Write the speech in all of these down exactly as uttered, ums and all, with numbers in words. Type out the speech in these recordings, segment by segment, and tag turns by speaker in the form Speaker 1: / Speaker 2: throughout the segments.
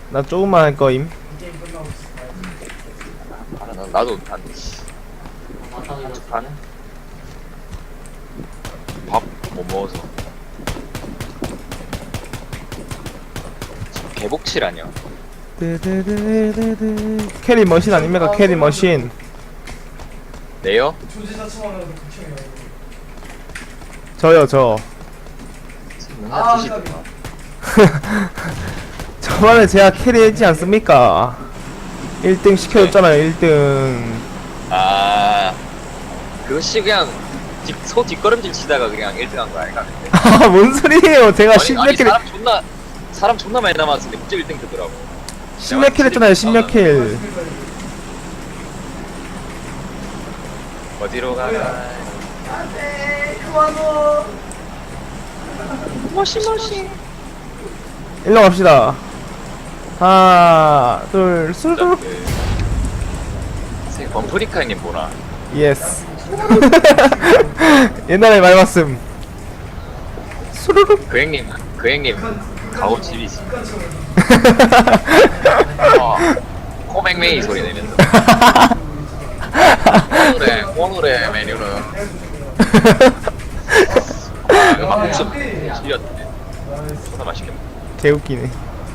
Speaker 1: 나 조금만 할 거임.
Speaker 2: 아, 나, 나도 한 반? 밥 못 먹어서 지금 개복칠 아니야?
Speaker 1: 드드드드드. 캐리 머신 아닙니까? 캐리 머신.
Speaker 2: 네요?
Speaker 1: 저요 저.
Speaker 2: 맨날
Speaker 3: 아,
Speaker 2: 드시더라.
Speaker 1: 저번에 제가 캐리했지 않습니까? 일 등 시켜줬잖아요. 일 등.
Speaker 2: 아 그것이 그냥 뒷, 소 뒷걸음질 치다가 그냥 일 등 한 거 아닌가?
Speaker 1: 아, 뭔 소리예요? 제가
Speaker 2: 아니,
Speaker 1: 십몇
Speaker 2: 아니
Speaker 1: 킬,
Speaker 2: 사람 존나 사람 존나 많이 남았는데 갑자기 일 등 되더라고.
Speaker 1: 십몇 킬 했잖아요. 십몇 킬.
Speaker 2: 어디로 가나?
Speaker 3: 안돼 그만둬.
Speaker 2: 머신 머신.
Speaker 1: 일로 갑시다. 하나, 둘, 수르륵.
Speaker 2: 그 범프리카님 뭐나?
Speaker 1: 예스. 옛날에 많이 봤음. 수르륵.
Speaker 2: 그 형님 그 형님 가오 집이 있어. 어, 코맹맹이 소리 내면서 오늘의 오늘의 메뉴는 아, 음악 목숨 지렸네. 존나 맛있겠네.
Speaker 1: 개웃기네.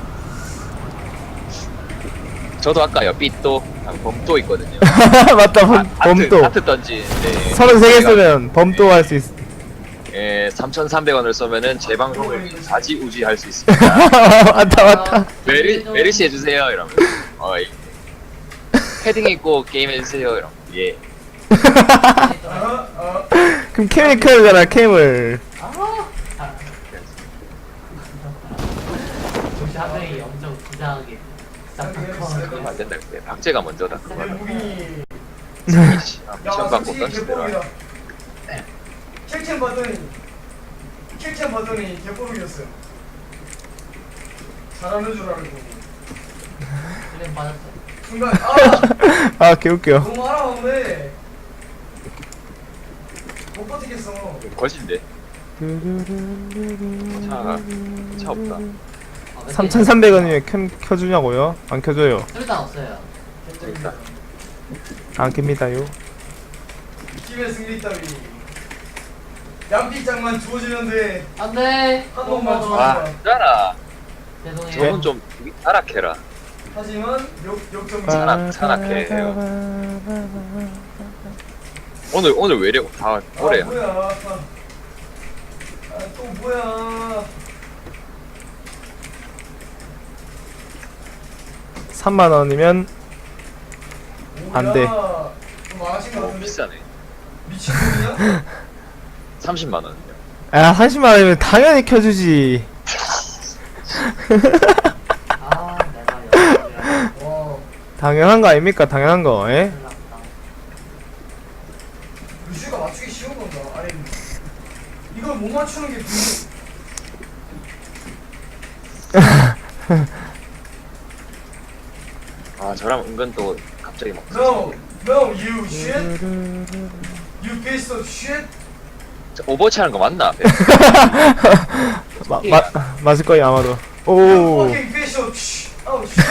Speaker 2: 저도 아까 옆이 또 범도 있거든요.
Speaker 1: 맞다, 범,
Speaker 2: 아, 하트,
Speaker 1: 범도.
Speaker 2: 하트 던지는데
Speaker 1: 서른세 개 쏘면 범도 할 수 있어.
Speaker 2: 예, 삼천삼백 원을 쏘면은 재방송을 좌지우지 할 수 있습니다.
Speaker 1: 맞다, 맞다.
Speaker 2: 메리 메리시 해주세요 이러면 어이 패딩 입고 게임 해주세요 이러면 예.
Speaker 1: 그럼 캠을 켜야 되잖아, 캠을.
Speaker 4: 역시 한 명이 엄청 부장하게
Speaker 2: 그러면 안 된다 그때 박제가 먼저다 그거
Speaker 3: 무빙이.
Speaker 2: 미션 받고 던지더라.
Speaker 3: 킬캠 봤더니 킬캠 봤더니 개뽀르기였어요. 잘하는 줄 알고
Speaker 4: 그냥 받았어.
Speaker 3: 순간 아
Speaker 1: 아, 개웃겨.
Speaker 3: 너무 알아봤네. 못 버티겠어.
Speaker 2: 거신데 차, 차 없다.
Speaker 1: 삼천삼백 원이면 캠 켜주냐고요? 안 켜줘요.
Speaker 4: 일단 없어요.
Speaker 2: 일단
Speaker 1: 안 켭니다요.
Speaker 3: 팀의 승리 따위. 양피장만 주어지면 돼.
Speaker 4: 안돼.
Speaker 3: 한 번만 줘.
Speaker 2: 아 짜라
Speaker 4: 죄송해요.
Speaker 2: 저는 좀 타락해라.
Speaker 3: 하지만 역 역전.
Speaker 2: 산악 산악해 해요. 오늘 오늘 왜 이래 다 오래
Speaker 3: 아, 뭐야? 아, 아, 또 뭐야?
Speaker 1: 삼만 원이면 안 돼.
Speaker 3: 뭐야? 좀 많으신 것
Speaker 2: 너무
Speaker 3: 같은데?
Speaker 2: 비싸네.
Speaker 3: 미친놈이야?
Speaker 2: 삼십만 원이요.
Speaker 1: 야, 삼십만 원이면 당연히 켜주지.
Speaker 4: 아 내가 여기를
Speaker 3: 와,
Speaker 1: 당연한 거 아닙니까? 당연한 거, 예?
Speaker 4: 큰일 났다.
Speaker 3: 루시가 맞추기 쉬운 건가? 아니, 이걸 못 맞추는 게 분명.
Speaker 2: 아 저랑 은근 또 갑자기 막
Speaker 3: No, no, you shit, you piece of shit.
Speaker 2: 저 오버워치 하는 거 맞나?
Speaker 1: 마, 마, 맞을 거예요, 아마도.
Speaker 3: You
Speaker 1: 오.
Speaker 3: fucking piece of shit. Oh shit.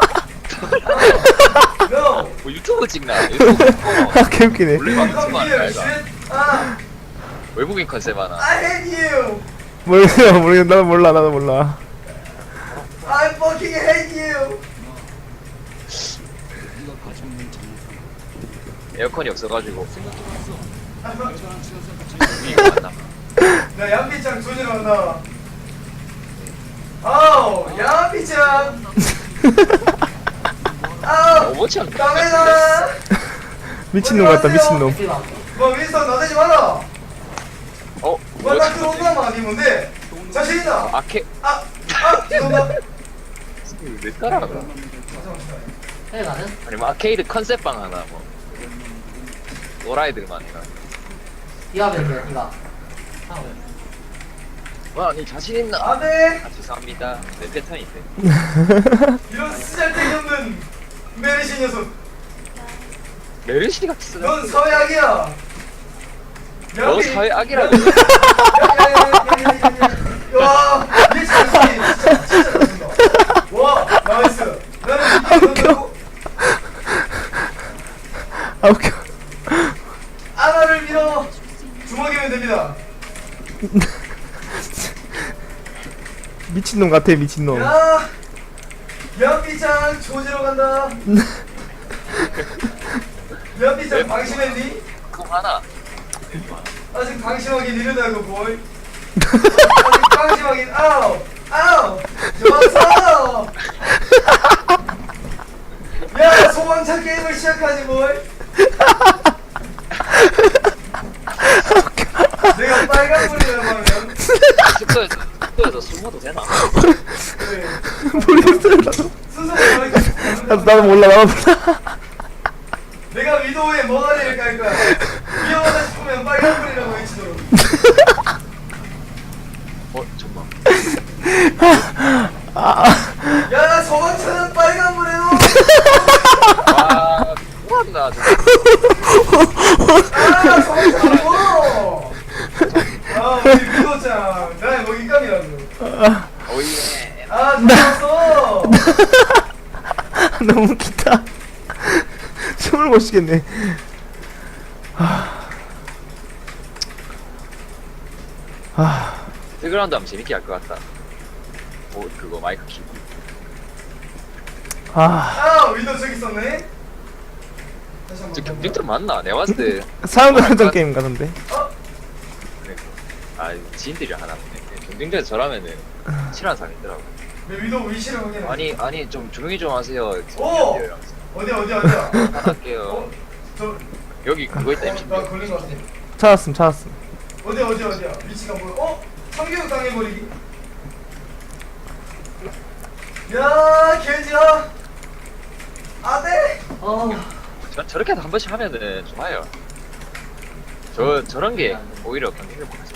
Speaker 3: No.
Speaker 2: 뭐 유튜브 찍나? 유튜브 찍고
Speaker 1: 아, 개웃기네.
Speaker 2: 원래
Speaker 3: You
Speaker 2: 방송
Speaker 3: come
Speaker 2: 하는
Speaker 3: here,
Speaker 2: 거야.
Speaker 3: shit. Ah,
Speaker 2: 외국인 컨셉 하나.
Speaker 3: I hate you.
Speaker 1: 모르겠어, 모르겠어. 나도 몰라, 나도 몰라.
Speaker 3: I fucking hate you.
Speaker 2: 에어컨이 없어가지고 위가 맞나?
Speaker 3: 나 양피장 조지러 간다. 아우, 양피장. 아우,
Speaker 2: 오버워치 하는 거
Speaker 3: 까매다.
Speaker 1: 미친놈 같다, 미친놈.
Speaker 4: 어디 봐.
Speaker 3: 뭐 윈스턴 나대지 마라.
Speaker 2: 어?
Speaker 3: 뭐나
Speaker 2: 오버워치
Speaker 3: 들어온다만 아니면 돼. 자신 있다.
Speaker 2: 아케
Speaker 3: 아, 아, 죄송합니다.
Speaker 2: 왜 따라가?
Speaker 4: 해 가는?
Speaker 2: 아니면 아케이드 컨셉방 하나 뭐 노라이들만 해가.
Speaker 4: 이가 몇 이가. 아 왜?
Speaker 2: 와, 니 자신 있나?
Speaker 3: 안돼.
Speaker 2: 아 죄송합니다. 내 패턴인데.
Speaker 3: 이런 쓰잘데기 없는 메리시 녀석.
Speaker 2: 메르시 같은
Speaker 3: 넌 사회악이야.
Speaker 2: 너 사회 악이라고.
Speaker 3: 와, 이게 잘했지. 진짜, 진짜 잘했습니다. 와, 나이스.
Speaker 1: 미친놈 같아 미친놈.
Speaker 3: 야! 연비장 조지러 간다. 연비장 방심했니?
Speaker 2: 그거 하나.
Speaker 3: 아직 방심하긴 이르다고 보이. 아직 방심하긴 아우 아우 좋았어. 야 소방차 게임을 시작하지 보이. 내가 빨간불이라고 하면
Speaker 2: 숙소에서 숙소에서 술 먹어도 되나?
Speaker 3: 그래.
Speaker 1: 모르겠어요 나도.
Speaker 3: 순서가
Speaker 1: 나도, 나도 몰라 나도 몰라.
Speaker 3: 내가 위도우의 머가리를 깔 거야. 위험하다 싶으면 빨간불이라고 외치도록.
Speaker 2: 어 정말.
Speaker 3: 야 소방차는 빨간불에도.
Speaker 2: 와 뭐한다 저.
Speaker 3: 아 소방차라고. 아 우리 위도우짱 나의 먹잇감이라고.
Speaker 2: 오예.
Speaker 3: 아 좋았어.
Speaker 1: 너무 웃기다. 숨을 못 쉬겠네. 아,
Speaker 2: 배그라운드 하면 재밌게 할 것 같다. 오 그거 마이크 키.
Speaker 1: 아,
Speaker 3: 아 위도우 저기 있었네. 다시
Speaker 2: 저
Speaker 3: 한번.
Speaker 2: 경쟁들 맞나? 내가 봤을 때.
Speaker 1: 사람들 한정 게임 같은데.
Speaker 3: 어?
Speaker 2: 그래. 아 지인들이 하나 보네. 경쟁전에서 저라면은 친한 사람이더라고.
Speaker 3: 내 위도우 위치를 확인해.
Speaker 2: 아니 아니 좀 조용히 좀 하세요.
Speaker 3: 오! 어디야 어디야 어디야.
Speaker 2: 할게요.
Speaker 3: 어? 저
Speaker 2: 여기 그거 있다
Speaker 3: 어,
Speaker 2: 임신.
Speaker 3: 나 걸린 것 같아.
Speaker 1: 찾았음, 찾았음.
Speaker 3: 어디야 어디야 어디야. 위치가 뭐야? 어? 참교육 당해버리기. 야 개지야. 아네.
Speaker 4: 어.
Speaker 2: 저 저렇게 한 번씩 하면은 좋아요. 저 저런 게 오히려 경쟁을 못하죠.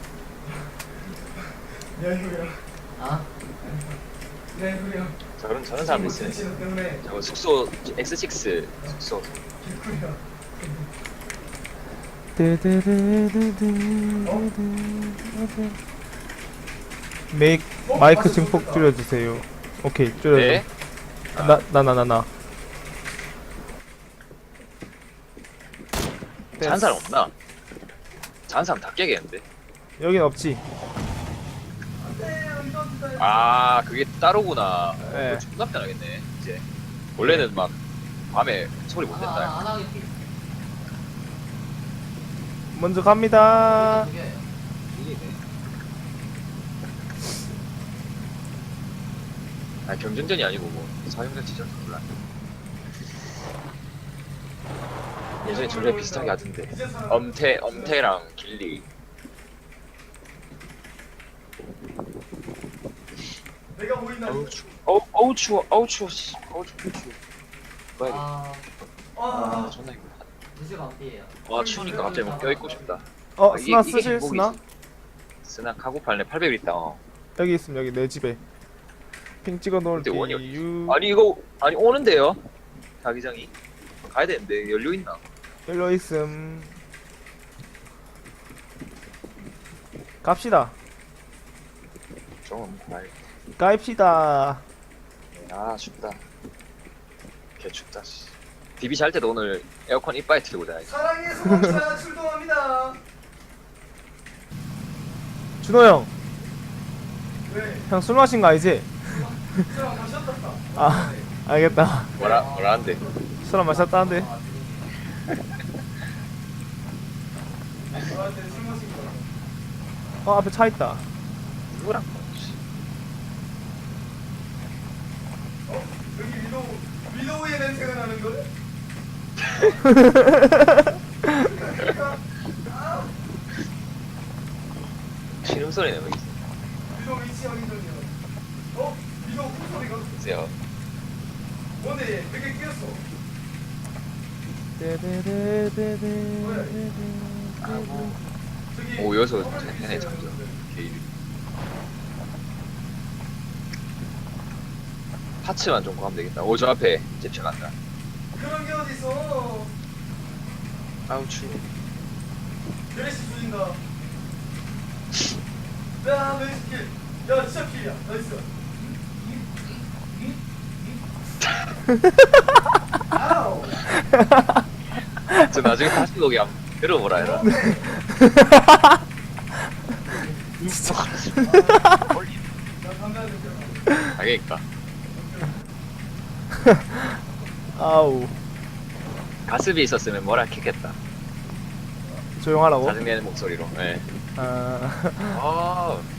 Speaker 3: 야 이거야.
Speaker 4: 아.
Speaker 3: 야 이거야.
Speaker 2: 저런 저런 사람들 있어요.
Speaker 3: 진짜 때문에
Speaker 2: 저 숙소 엑스 식스 숙소.
Speaker 3: 개꿀이야.
Speaker 1: 메이크
Speaker 3: 어?
Speaker 1: 마이크
Speaker 3: 맞아,
Speaker 1: 증폭
Speaker 3: 좋겠다.
Speaker 1: 줄여주세요. 오케이, 줄여줘.
Speaker 2: 네.
Speaker 1: 나, 나, 나, 나, 나.
Speaker 2: 잔 사람 없나? 잔 사람 다 깨겠는데.
Speaker 1: 여긴 없지.
Speaker 2: 아 그게 따로구나.
Speaker 1: 네.
Speaker 2: 네. 존나 편하겠네 이제. 원래는 막 밤에 소리 못
Speaker 4: 아,
Speaker 2: 낸다.
Speaker 4: 안 하게 피.
Speaker 1: 먼저 갑니다.
Speaker 4: 두 개.
Speaker 2: 이기네. 아 경쟁전이 아니고 뭐 사용자 지정 몰라. 예전에 전래 비슷하게 하던데. 엄태 엄태랑 길리.
Speaker 3: 내가 보인다.
Speaker 2: 어우 추워. 어우 어우 추워. 어우 추워. 씨. 어우 추워. 추워. 뭐야 이거.
Speaker 4: 아,
Speaker 2: 아
Speaker 3: 아.
Speaker 2: 존나 힘들다.
Speaker 4: 무시 반피예요.
Speaker 2: 와 추우니까 갑자기 뭐 껴입고 싶다.
Speaker 1: 어,
Speaker 2: 아,
Speaker 1: 스나
Speaker 2: 이게- 이게
Speaker 1: 쓰실
Speaker 2: 행복이지.
Speaker 1: 스나?
Speaker 2: 스나 카고팔네 팔백 일 있다. 어.
Speaker 1: 여기 있음, 여기 내 집에. 핑 찍어
Speaker 2: 근데 원이 어디
Speaker 1: 놓을게요.
Speaker 2: 아니 이거 아니 오는데요? 자기장이 가야 되는데 열려 있나?
Speaker 1: 열려 있음. 갑시다.
Speaker 2: 좀 말.
Speaker 1: 가입시다.
Speaker 2: 아 춥다. 개 춥다. 씨. 디비 잘 때도 오늘 에어컨 이빨에 틀고 자야지.
Speaker 3: 사랑의 소방차 출동합니다.
Speaker 1: 준호 형,
Speaker 3: 왜?
Speaker 1: 형 술 마신 거 아니지?
Speaker 3: 사람 마셨다.
Speaker 1: 아, 알겠다.
Speaker 2: 뭐라 뭐라 한대.
Speaker 1: 술 안 마셨다는데.
Speaker 3: 나한테 술 마신 거야.
Speaker 1: 어, 앞에 차 있다.
Speaker 2: 누구랑 뭐, 씨.
Speaker 3: 어? 여기 위도우 위도우의 냄새가 나는 거래? 아,
Speaker 2: 신음 소리네 뭐 있어.
Speaker 3: 위도우 위치 확인 중이야. 어? 위도우 콧소리가
Speaker 2: 보세요.
Speaker 3: 뭔데? 되게 끼었어. 저기.
Speaker 2: 오 여기서
Speaker 3: 커플
Speaker 2: 해내
Speaker 3: 있어요,
Speaker 2: 장전.
Speaker 3: 여러분들.
Speaker 2: 개일. 파츠만 좀 구하면 되겠다. 오 저 앞에 잽차 간다.
Speaker 3: 그런 게 어딨어?
Speaker 2: 아우 추워.
Speaker 3: 베레시 줄인다. 야, 베레시 킬. 야, 진짜 킬이야. 나이스. 아우.
Speaker 2: 저 나중에 다시 거기 한번 들어보라 해라.
Speaker 3: 나
Speaker 2: 아, 그러니까.
Speaker 1: 아우
Speaker 2: 가습이 있었으면 뭐라 했겠다.
Speaker 1: 조용하라고.
Speaker 2: 짜증내는 목소리로. 예.
Speaker 1: 아
Speaker 2: 아,